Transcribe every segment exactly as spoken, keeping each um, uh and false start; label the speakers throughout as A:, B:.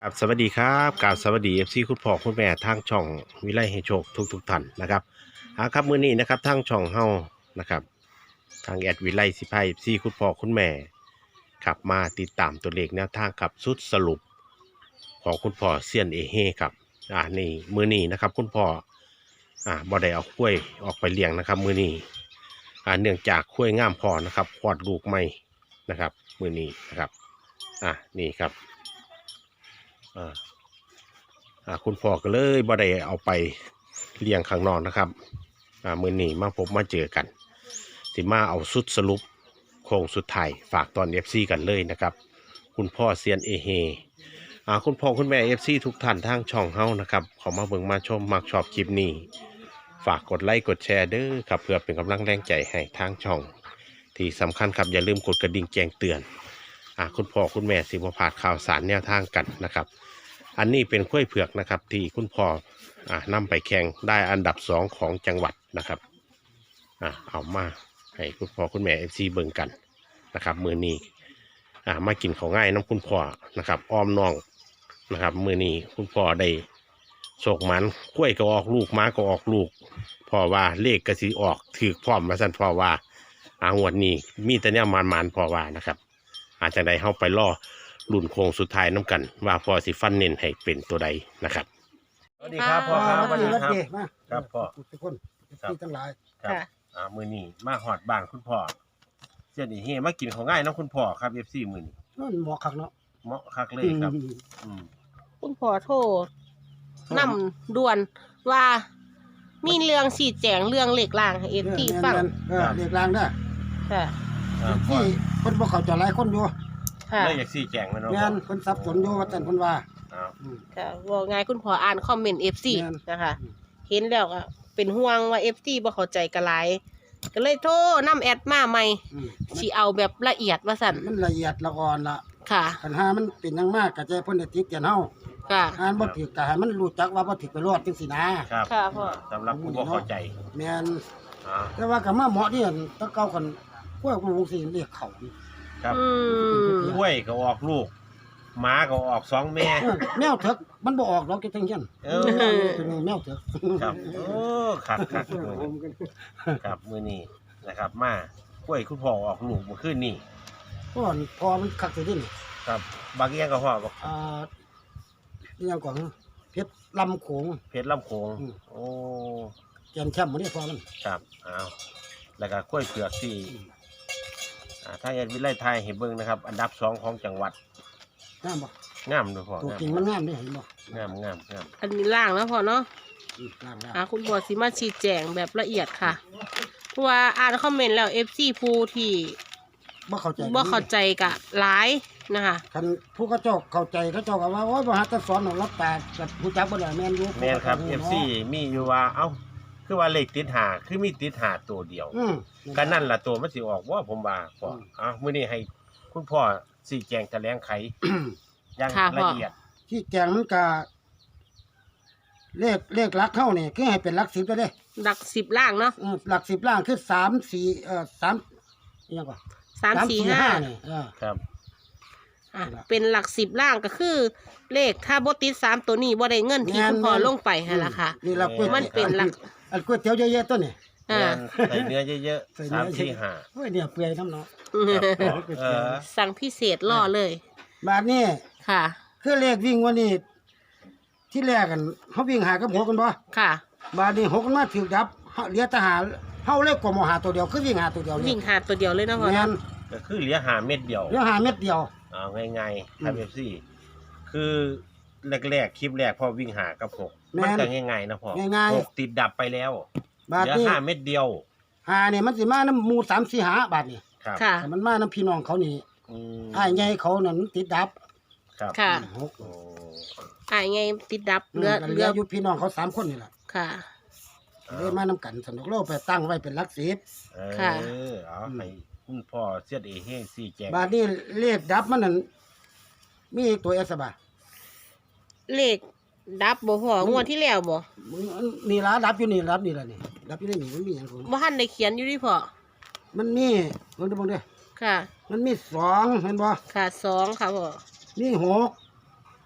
A: ครับสวัสดีครับกราบสวัสดีเอฟซีคุณพ่อคุณแม่ทางช่องวิไลให้โชคทุกทุกท่านนะครับอ่าครับมื้อนี้นะครับทางช่องเฮานะครับทางแอดวิไลสิพายเอฟซีคุณพ่อคุณแม่ครับมาติดตามตัวเลขแนวทางครับสุดสรุปของคุณพ่อเซียนเอเฮครับอ่านี่มื้อนี้นะครับคุณพ่ออ่าบ่ได้เอากล้วยออกไปเลี้ยงนะครับมื้อนี้อ่าเนื่องจากกล้วยงามพอนะครับคลอดลูกใหม่นะครับมื้อนี้นะครับอ่านี่ครับอ่า อ่าคุณพ่อก็เลยบ่ได้เอาไปเลี้ยงข้างนอกนะครับอ่ามื้อนี้มาพบมาเจอกันสิมาเอาสุดสรุปโค้งสุดท้ายฝากตอน เอฟ ซี กันเลยนะครับคุณพ่อเซียนเอเฮอ่าคุณพ่อคุณแม่ เอฟ ซี ทุกท่านทางช่องเฮานะครับเขามาเบิ่งมาชมมักชอบคลิปนี้ฝากกดไลค์กดแชร์เด้อครับเพื่อเป็นกำลังแรงใจให้ทางช่องที่สำคัญครับอย่าลืมกดกระดิ่งแจ้งเตือนอ่าคุณพ่อคุณแม่สิบ่พลาดข่าวสารแนวทางกันนะครับอันนี้เป็นกล้วยเผือกนะครับที่คุณพ่ออ่านำไปแข่งได้อันดับสองของจังหวัดนะครับอ่าเอามาให้คุณพ่อคุณแม่เอฟซีเบิ่งกันนะครับมือนี้อ่ามากินของง่ายน้ำคุณพ่อนะครับอ้อมน้องนะครับมือนี้คุณพ่อได้โศกมันกล้วยก็ออกลูกม้าก็ออกลูกพ่อว่าเลขกระสีออกถือพร้อมมาสั่นพ่อว่าอางวดนี้มีแต่เนี่ยมันมันพ่อว่านะครับอาจจะได้เข้าไปล่อรุ่นโค้งสุดท้ายน้ำกันว่าพอสิฟันเน้นให้เป็นตัวใดนะครับสวัสดีครับพ่อครับสวัสดีครับ
B: มา
A: ครับพ่อ
B: ทุกคนที่ทั้งหลาย
A: ครับ
C: ค่ะ
A: อ่ามือนี้มาหอดบ้านคุณพ่อเจ้านี่เฮมากินของง่ายเน้องคุณพ่อครับเอฟซีมือนี้
B: นั่นหมอคักเนาะ
A: เหมาะคักเลยครับ
B: อืม
A: อืม
C: คุณพ่อโทรนำด่วนว่ามีเรื่องสีแจงเรื่องเหล็กล่างให้เอฟที่ฟัง
B: เออเรียกรางได้
C: ค่ะ
A: อ่าพ่อ
B: ที่คนบ่เข้าใจหลายคนอยู่
C: ค่ะ
A: เลยอยากซี่แจงแล้วเนาะ
B: แม่นคนสับสนอยู่ว่าแต่นเพิ่นว่า
A: อ้าว
B: อืม
C: ค่ะว่าไงคุณพ่ออ่านคอมเมนต์เอฟซี
B: แม่น
C: นะคะ
B: อืม
C: เห็นแล้วก็เป็นห่วงว่าเอฟซีบ่เข้าใจกันหลายก็เลยโทรนำแอดมาใหม่
B: อืม
C: สิเอาแบบละเอียดว่าสั่น
B: มันละเอียดละอ่อนละ
C: ค่ะ
B: ปัญหามันเป็นอยังมากก็ใจเพิ่นได้ติดกันเฮา
C: ค่ะ
B: อ่านบ่ถูกก็ให้มันรู้จักว่าบ่ถูกไปรอดจังซี่นะครับ
C: ค่ะพ่อ
A: สำหรับผู้บ่เข้าใจ
B: แม่น
A: อ่า
B: แต่ว่าก็มาเหมาะนี่อั่นแตะเก่ากันพวกวงสิเรียกเขานี่
A: ครับ
C: อืม
A: กล้วยก็ออกลูกหมาก็ออกสองแม่
B: เออแมวเถิกมันบ่ออกดอกจังซั่น
A: เออ
B: เป็นแมวเถิก
A: ครับโอ้ครับครับครับมือนี้นะครับ มากล้วยคุณพ่อออกลูกเมื่อคืนนี้
B: พอนพอมันคักสิดิน
A: ครับบางอย่างก็พ่อบอก
B: อ่าเรื่องของเพชรลำโขง
A: เพชรลำโขง
B: อืม
A: โอ้
B: แกนแชมป์มันนี่พอมัน
A: ครับอ้าวแล้วก็กล้วยเผือกที่อ่าถ้าอยากวิไลไทยเห็นเบิ่งนะครับ อันดับสองของจังหวัด
B: งามบ่
A: งามด้วยพ่อ
B: ตัว
A: งาม
B: จริงมันงามเด้เห็นบ่
A: งามงามงาม
C: อันนี้ล่างแล้วพ่อเนาะ
B: อืมงามงาม
C: อ่ะคุณพ่อสิมาชี้แจงแบบละเอียดค่ะเพราะว่าอ่านคอมเมนต์แล้วเอฟซีผู้ที่
B: บ่เข้าใจ
C: บ่เข้าใจกะหลายนะคะ
B: คันผู้เขาเจ้าเข้าใจเขาเจ้าก็ว่าโอ้ยบ่หาแต่สอนของรับตากับผู้จักบ่ได้แม่นอยู่
A: แม่นครับ เอฟ ซี มีอยู่ว่าเอ้าคือว่าเลขติดหาคือมีติดหาตัวเดียว
B: อืม
A: ก็นั่นล่ะตัวมันสิออกว่าผมว่าพ่อ
B: อืม
A: อ้าวมื้อนี้ให้คุณพ่อสี่แจงแถลงไขอย่าง
C: ค่ะพ่
A: ละ
C: อ
A: เอียด
B: ที่แกงมันก็เลขเลขหลักเข้านี่คือให้เป็นหลักสิบไปเด้
C: หลักสิบล่างเนาะ
B: อืมหลักสิบล่างคือสาม สี่เอ่อสามอิหยังก่อน
C: สามสี่ห้า
B: นี่เออ
A: ครับ
C: อ่ะเป็นหลักสิบล่างก็คือ เลขถ้าบติดสามตัวนี้บ่ได้เงินที่คุณพ่อลงไปให้ละค่ะ
B: นี่เราก๋วย
C: มันเป็นหลัก
B: อันก๋วยเตี๋ยวเยอะๆตัวนี่
C: อ่า
A: ใส่เนื้อเยอะ
B: ใส่
A: ๆ
B: เนื้
A: สา
B: อ
A: ม
B: เยอะ
A: สี่ห้า
B: โอ้ยเนี่ยเปื่อยน้ำเนาะ
A: ครับเออ
C: สั่งพิเศษล่อเลย
B: บาดนี้
C: ค่ะ
B: คือเลขวิ่งวันนี้ที่แรกกันเขาวิ่งหากับหกกันบ่
C: ค่ะ
B: บาดนี้หกกันมาถือดับเฮาเหลือแตหาเฮาเลขกว่าหมอหาตัวเดียวคือวิ่งหาตัวเดียว
C: วิ่งหาตัวเดียวเลยเนาะพ่อ
B: แม่
C: เนาะ
B: น
A: ก็คือเหลือหาเม็ดเดียว
B: เหลือหาเม็ดเดียว
A: เอาง่ายๆครับ
B: อืม
A: เอฟซีคือแรกๆคลิปแรกพอวิ่งหากับหก
B: แม่
A: มัน
B: น
A: ก็ง่ายๆนะพ่อ
B: ง่ายๆ
A: หกติดดับไปแล้ว
B: บาด
A: เหลือ
B: นี้
A: ห้าเม็ดเดียว
B: หาเนี่ยมันสิมาน้ำหมูสามสี่หาบาทนี่
A: ครับ
C: ค่ะ
B: แต่มันมาน้ำพี่น้องเขานี่
A: อืม
B: อ้ายใหญ่เขานั่นมันติดดับ
A: ครับ
C: ค่ะ
B: หก
A: โอ้
C: อ่าไงติดดับ
B: อืม
C: เรือ
B: ก็เหลื
C: เรือ อ
B: อยู่พี่น้องเขาสามคนนี่แหละ
C: ค่ะ
B: เลยมาน้ำกันสนุกโลกไปตั้งไว้เป็นหลักสิบ
A: เออ
C: ค่ะ
A: เอาให้คุณพ่อเสียดเอเฮงสี่แจง
B: บาทนี้เลขดับมันนั่นมีตัวเอสบา
C: เลขดับบ่พ่องวดที่แล้วบ่
B: มึงนี่ละดับอยู่นี่ดับนี่ละนี่ดับอยู่ในนี่มันมีอย่างของ
C: บ่ทันได้เขียนอยู่ดิพ่อ
B: มันมีเบิ่งดูเบิ่งเด้อ
C: ค่ะ
B: มันมีสองเห็นบ่
C: ค่ะสองค่ะพ่อ
B: มีหก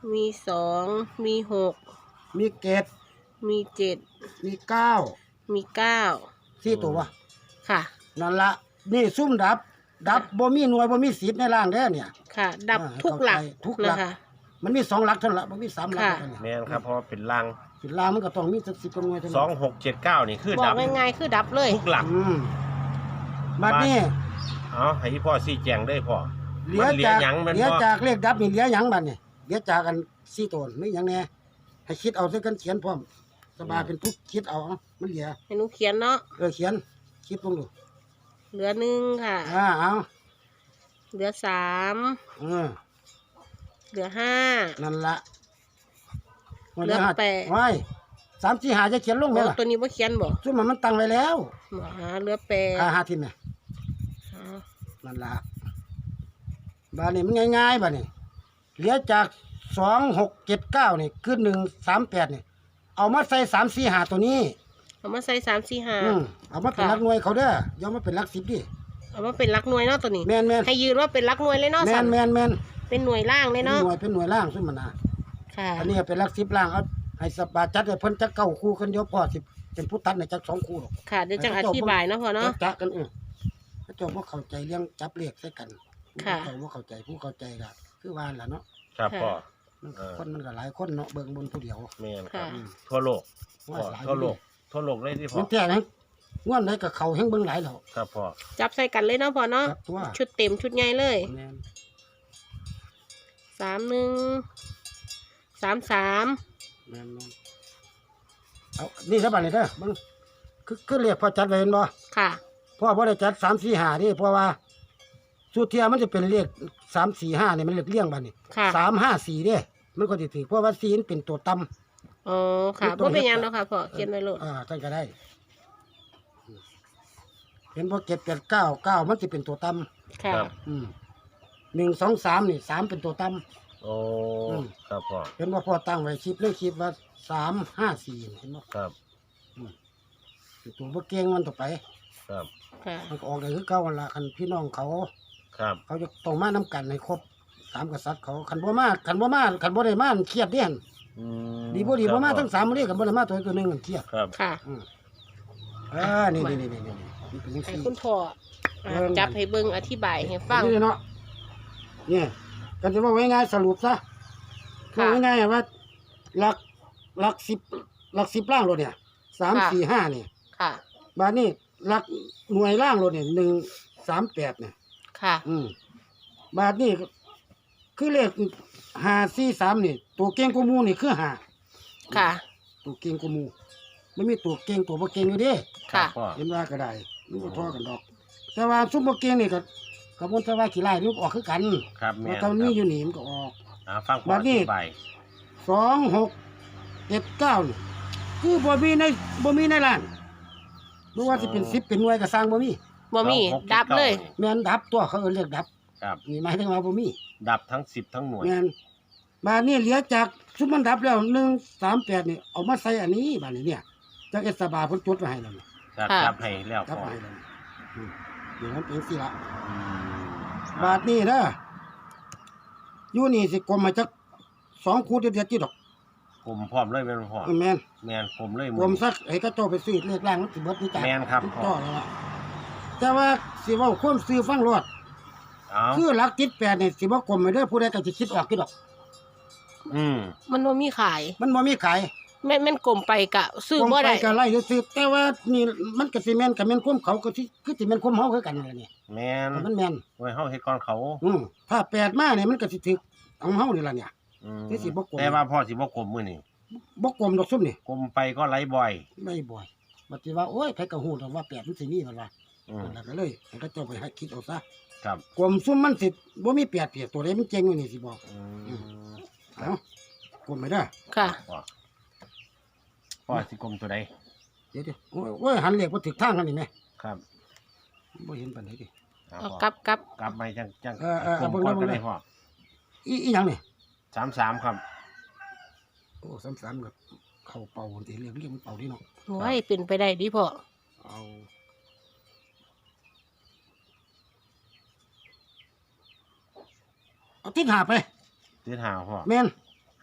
C: มีสองมีหก
B: มีเกต
C: มีเจ็ด
B: มีเก้า
C: มีเก้า
B: สี่ตัววะ
C: ค่ะ
B: นั่นละนี่ซุ่มดับ ดับบ่มีหน่วยบ่มีสิบในล่างเด้อเนี่ย
C: ค่ะ ดับ
B: อ่า
C: ทุกหลัก
B: เข้าใจทุกหลัก
C: นะคะ
B: มันมีสองหลักเท่านั้นละบ่มีสามหลัก
C: ค่ะ
B: เท่านั้น
A: แม่นครับเพราะว่าเป็นล่าง
B: สิล่างมันก็ต้องมีสักสิบกว่าหน่วยเท่า
A: ส
B: นั้
A: อง
B: น
A: หกเจ็ดเก้านี่คือบ
C: อ
A: ดั
C: ก
A: บ
C: ง่ายๆคือดับเลย
A: ทุกหลัก
B: อืมบัดนี้
A: เอาให้พ่อซี่แจงได้พ่อ
B: เหลือ
A: มันเหลือ
B: จาก
A: หยังแมัน
B: เหลือ
A: พ่อ
B: จากเลขดับนี่เหลือหยังบัดนี่เหลือจากกันสี่ตัวไม่หยังแน่ให้คิดเอาซะกันเขียนพร้อมสบายเป็นทุกคิดเอาเอามันเหลือ
C: ให้หนูเขียนเนาะ
B: เออเขียนคิดลงดู
C: เหลือหนึ่งค่ะ
B: อ่าเอา
C: เหลือสาม
B: เออ
C: เหลือห้า
B: นั่นละ
C: เหลือแปด
B: ไว้สามสี่หาจะเขียนลงไหม
C: โอ้
B: ล่ะ
C: ตัวนี้ว่าเขียนบ่
B: ซุ่มมันมันตั้งไว้แล้ว
C: หมอหาเหลือแปด
B: หาหาทิมเนี่ย
C: อ๋อ
B: นั่นละบาดนี้มันง่ายๆบาดนี้เหลือจากสองหกเจ็ดเก้านี่คือหนึ่งสามแปดนี่เอามาใส่สามสี่หาตัวนี้
C: เอามาใส่สามสี่ห้า
B: อืมเอามาเป็น
C: ค่ะ
B: หลักหน่วยเขาเด้ออย่ามาเป็นหลักสิบดิ
C: เอามาเป็นหลักหน่วยเนาะตัวนี้
B: แมนแมน
C: ให้ยืนว่าเป็นหลักหน่วยเลยเนาะ
B: แม
C: สั
B: น
C: น
B: แมนแมน
C: เป็นหน่วยล่างเล
B: เป็
C: ย
B: น
C: เนาะ
B: หน่วยเป็นหน่วยล่างซึ่งมันนะ
C: ค่ะ
B: อันนี้เป็นหลักสิบล่างเอาให้สบายจัดให้เพิ่นจักเก้าคู่คนเดียวพอสิเป็นผู้ตัดในจักสองคู่หรอก
C: ค่ะเดี๋ยวจะอธิบายเนาะพ่อเนาะ
B: จักจะกันเออพระเจ้าบ่เข้าใจเรื่องจับเลขใส่กัน
C: ค่ะ
B: พระเจ้าบ่เข้าใจผู้เข้าใจก็คือว่าล่ะเนาะ
A: ครับพ่อ
B: มัน
A: เออ
B: คนมันก็หลายคนเนาะเบิ่งบนผู้เดียว
A: แม่นครับ
C: ค่ะ
A: ทั่วโลก
B: ว่า
A: พ่อ
B: หลาย
A: ทั่วโลกทั่วโลกเลยที่พ่อ
B: มันแท้นะง่วนไหนก็เข้าแฮงเบิ่งหลายแล้ว
A: ครับพ่อ
C: จับใส่กันเลยเนาะพ่อเนาะ
B: ครับตัว
C: ชุดเต็มชุดใหญ่เลย
B: แม่น
C: สามหนึ่งสามสาม
B: แม่นแม่นเอานี่ซะบัดนี้เด้อเบิ่งคือคือเรียกพอจัดไว้เห็นบ่
C: ค่ะ
B: พ่อบ่ได้จัดสาม สี่ ห้านี่เพราะว่าสุเทียมันจะเป็นเลขสาม สี่ ห้านี่มันเลขเลี่ยงบัดนี้
C: ค่ะ
B: สาม ห้า สี่เด้มันก็สิถือเพราะว่าสี่มันเป็นตัวต่ำ
C: อ๋อค่ะ
B: ตัว
C: บ่เป็นหยัง
B: เฮ็ด
C: เนาะค่ะพ่อเขียนไว้โลด
B: อ่าท่านก็ได้ เห็นบ่เจ็ด แปด เก้า เก้ามันสิเป็นตัวต่ำ
C: ค่ะ
A: ครับ
B: อืมหนึ่ง สอง สามนี่สามเป็นตัวต่ำ
A: โอ้
B: อืม
A: ครับพ่อ
B: เห็นบ่พ่อตั้งไว้คลิปเลยคลิปว่าสาม ห้า สี่เห็นบ่
A: ครับ
B: ตัวบ่เก่งมันต่อไป
A: ครับ
C: ค่ะ
B: มันก็ออกได้คือเก่าหั่นล่ะคันพี่น้องเขา
A: ครับ
B: เขาจะต้องมานํกันให้ครบสามกษัตริย์เขาคันบ่มาคันบ่มาคันบ่ได้มามันเครียดเด้หั่น
A: อืม
B: ดีบ่ดีบ่มา
A: ครับ
B: ทั้งสามมื้อนี้คันบ่ได้มาตัวตัวหนึงมันเครียด
A: ครับ
C: ค่ะ
B: อืมอ่านี่นี่นี่นี่นี่นี่เป็นจัง
C: ให้
B: ซี่
C: คุณพ่ออ่า
B: เบิ่ง
C: จับให้เบิ่งอธิบายให้ฟัง
B: นี่เนาะเนี่ยกันจะว่าไว้ง่ายสรุปซะ
C: ค่ะ
B: ว่าง่ายๆว่าหลักหลักสิบหลักสิบล่างรถเนี่ยสาม
C: ค่ะ
B: สี่ห้าเนี่ย
C: ค่ะ
B: บาทนี้หลักหน่วยล่างรถเนี่ยหนึ่งสามแปดเนี่ย
C: ค่ะ
B: อืมบาทนี้คือเลขห้าสี่สามนี่ตัวเก่งกว่าหมูนี่คือห้า
C: ค่ะ
B: ตัวเก่งกว่าหมูไม่มีตัวเก่งตัวบ่เก่งอยู่เด้
C: ค่ะ
A: พ่อ
B: เห็นว่าก็ได้มันก็ทอกันดอก แต่ว่าซุปบ่เก่งนี่ก็ก็บ่นแต่ว่าขี้ไล่นี่มันก็ออกคือกัน
A: ครับแม่
B: ว่าน ตอนนี้อยู่นี่มันก็ออก
A: อ่าฟังพ่อ
B: บั
A: อ
B: ดนี้
A: ธิบาย
B: สองหกเจ็ดเก้านี่คือบ่มีในบ่มีในร้านบ่ว่าสิเป็นสิบเป็นหน่วยก็สร้างบ่มี
C: บ่มี
A: สองหก
C: ดับเลย
B: แม่นดับตัวเขาเอิ้นเรียกดับ
A: ครับ
B: นี่หมายถึงว่าบ่มี
A: ดับทั้งสิบทั้งหน่วย
B: แม่นบาดนี้เหลือจากซุมมันดับแล้วหนึ่งสามแปดนี่เอามาใส่อันนี้บาดนี้เนี่ยจากเอสบาเพิ่นจดไว้ให้แล้วนี่
A: ครับ
C: ค่ะ
A: ดับให้แล้ว
B: จับ
A: พ่อ
B: ไว้ให้แล้วอืมเดี๋ยวมันเป็นสิละ
A: อืม
B: บาดนี้เด้ออยู่นี่สิกลมมาจักสองคูเด็ดๆที่ดอก
A: ผมพร้อมเลยแม่นพ่อ
B: แม่น
A: แม่นผมเลย
B: กลมสักให้กระโจไปซื้อเลขล่างมันสิเบิดนี่จ้ะ
A: แม่นครับ
B: ต่อแล้วล่ะแต่ว่าสิเว้าความซื้อฟังรอด
A: เอา
B: คือหลักจิตแปดนี่สิบ่กลมไปเด้อผู้ใดก็สิคิดออกคือดอก
A: อืม
C: มันบ่มีขาย
B: มันบ่มีขาย
C: แม่นแม่นกลมไปกะซื้อก
B: ลม
C: บ่
B: ไป
C: ได้
B: ก็ไล่ซื้อแต่ว่านี่มันก็สิแม่นก็แม่นความเขาก็สิคือสิแม่นความเฮาคือกันนั่นแหละนี่
A: แม่น
B: มันแม่น
A: ไว้เฮาเฮ็ดก่อนเขา
B: อืมถ้าแปดมาเนี่ยมันก็สิถึกของเฮานี่ล่ะเนี่ย
A: อืม
B: ที่สิบ่กลม
A: แต่ว่าพ่อสิบ่กลมมื้อนี้
B: บ่กลมดอกซุ่มนี่
A: กลมไปก็ไหลบ่อย
B: ไม่บ่อยบัดสิว่าโอ้ยไผก็ฮู้ดอกว่าแปดมันสิมีมันว่า
A: อืม
B: นั่นก็เลยให้เขาเจ้าไปให้คิดเอาซะ
A: ครับ
B: กลมซุ่มมันสิบ่มีแปดเปียกตัวใดมันเจ๋งอยู่นี่สิบอก
A: อืม
B: เอ้ากลมไม่ได้
C: ค่ะ
A: พ่อพ่อสิกลมตัวใด
B: เดี๋ยวๆโอ้ยโอ้ยหันเลขบ่ถึกทางกันนี่แหม
A: ครับ
B: บ่เห็นปานใดดิ
A: เอา
C: เอา
A: พ่อก
C: ลับกลับ
A: กลับไปจังจัง
B: เออเออก
A: ลม
B: เอาเบิ่ง
A: ก่อน
B: เบิ่
A: ก็
B: ง
A: ได้พ่อ
B: อีอีหยังนี่
A: สามสามครับ
B: โอ้สามๆก็เข้าเป่าสิเรียกเรียกมันเป่าดิเนาะ
C: โอ้ยเป็นไปได้ดิพ่อ
B: เอาเอาทิศหาไป
A: ติดหาพ่อ
B: แม่น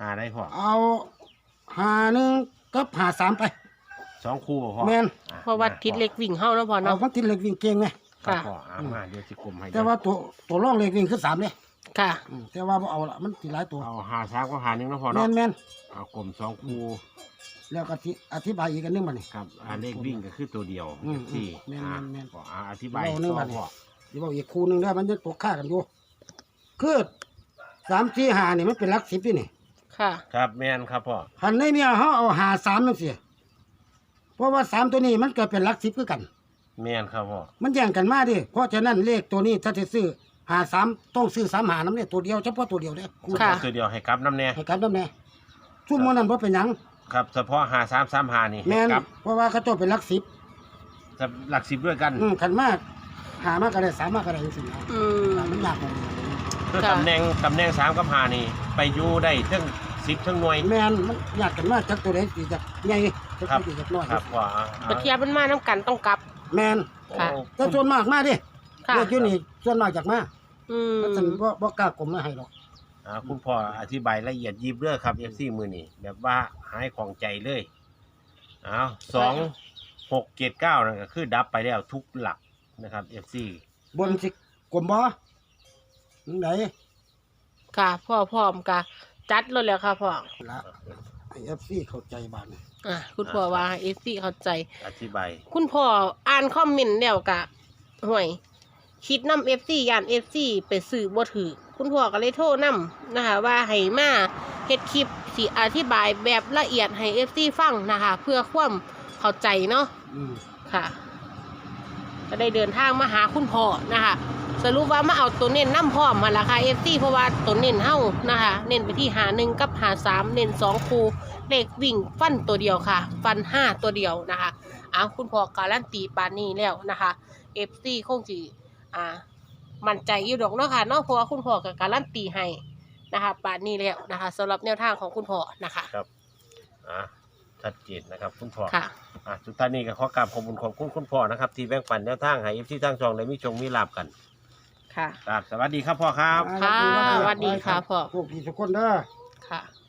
A: หาได้พ่อ
B: เอาหาหนึ่งกับหาสามไป
A: สองคู่บ่พ่อ
B: แม่น
A: อ่
C: เพราะว่าทิศเล็กวิ่งเฮาแล้วพอ
B: เอา
C: เนาะ
B: มันติดเหล็กวิ่งเก่งไง
A: ครับ
C: ค่ะ
A: พ่ออ่ามาเดี๋ยวสิกลมให้
B: แต่ว่าตัวตัวร่องเหล็กวิ่งคือสามเลย
C: ค่ะ
B: อืมแต่ว่าบ่เอาละมันสิหลายตัว
A: เอาหาสามก็หาหนึ่งเนาะพ่อ
B: แม่
A: เนาะ
B: นแม่น
A: เอากลมสองคู่
B: แล้วก็ที่อธิบายอีกอันหนึงบัดนี้
A: ครับอ่าเลขวิ่งก็คือตัวเดียว
B: อืม
A: สี่
B: แม่น
A: อ่า
B: แม่น
A: พ่ออ่าอธิบาย
B: เราเรื่อง
A: ต่
B: บั
A: อ
B: ดนี้
A: พ่อ
B: เดี๋ยวบอกอีกคู่หนึงได้อมันจะตกค่ากันอยู่คือสามสี่ห้านี่มันเป็นหลักสิบนี่นี่
C: ค่ะ
A: ครับแม่นครับพ่อ
B: คันในเนี่ยเฮาเอาหาสามจังซี่เพราะว่าสามตัวนี้มันเกิดเป็นหลักสิบคือกัน
A: แม่นครับพ่อ
B: มันแย่งกันมาดิเพราะฉะนั้นเลขตัวนี้ถ้าจะซื้อหาสามต้องซื้อสามหาน้ำเนี่ยตัวเดียวเฉพาะตัวเดียวเนี่ย
C: ค่ะ
A: ตัวเดียวให้กลับน้ำแน่
B: ให้กันน้ำแน่ซุ่มมันนั้นเพราะเป็นหยัง
A: ครับเฉพาะหาสามสามหานี่
B: แม่
A: ให้
B: น
A: กลับ
B: เพราะว่าเขาเจ้าเป็นหลักสิบ
A: จะหลักสิบด้วยกัน
B: อืมขันมากหามากก็ได้สามมากก็ได้จริงๆนะ
C: อืม
B: มันยากกว่านี้
A: คือ
C: ค่ะ
A: ตำแหน่งตำแหน่งสามกับหานี่ ไปอยู่ได้ทั้งสิบทั้งหน่วย
B: แม่นมันยากกันมากจากตัวไหนสิจากใหญ่จาก
A: ครับ
B: ตัวจากน้อย
A: ครับว่า
C: ปะเทียบมันมาน้ำกันต้องกลับ
B: แม่น
C: ค่ะ
B: แต่ส่วนมากมาดิ
C: ค่ะ
B: เลขอยู่นี่ส่วนมากจากมา
C: อืม
B: เพราะฉะนั้นบ่บ่กล้ากลมมาให้หรอก
A: อ่าคุณพ่ออธิบายละเอียดยิบเด้อครับเอฟซีมือนี่แบบว่าหายของใจเลยอ้าวสองหกเจ็ดเก้านั่นก็คือดับไปแล้วทุกหลักนะครับเอฟซี
B: บนสิกลมบ่จังได
C: ค่ะพ่อพร้อมกะจัดเลยแหล้วค่ะพ่อ
B: ละให้ เอฟ ซี เข้าใจบาดนี้
C: อ่ะคุณพ่อว่าเอฟซีเข้าใจ
A: อธิบาย
C: คุณพ่ออ่านคอมเมนต์แล้วกะห่วย คิดนำเอฟซียานเอฟซีไปซื้อบ่ถือคุณพ่อก็เลยโทรนำนะคะ ว่าให้มาเฮ็ดคลิปสิอธิบายแบบละเอียดให้เอฟซีฟังนะคะ เพื่อความเข้าใจเนาะ
B: อืม
C: ค่ะ ก็ได้เดินทางมาหาคุณพ่อนะคะ สรุปว่ามาเอาตัวเน้นน้ำพร้อมมาละค่ะเอฟซีเพราะว่าตัวเน้นเฮ้านะคะ เน้นไปที่หาหนึ่งกับหาสามเน้นสองคูเลขวิ่งฟันตัวเดียวค่ะ ฟันห้าตัวเดียวนะคะเอาคุณพ่อการันตีปานนี้แล้วนะคะเอฟซีคงจีอ่า มั่นใจอยู่ดอกเนาะค่ะเนาะเพราะว่าคุณพ่อกับการันตีให้นะคะปานนี้แล้วนะคะสำหรับแนวทางของคุณพ่อนะคะ
A: ครับอ่าชัดเจนนะครับคุณพ่อ
C: ค่ะ
A: อ่ะสุดท้ายนี้ก็ขอกราบขอบคุณขอบคุณคุณพ่อนะครับที่แบ่งปันแนวทางให้เอฟซีทางช่องได้มีชงมีลาบกัน
C: ค่ะ
A: ครับสวัสดีครับพ่อครับ
C: ค่ะสวัสดีค่ะพ่อ
B: พวกพี่ทุกคนเด้อ
C: ค่ะ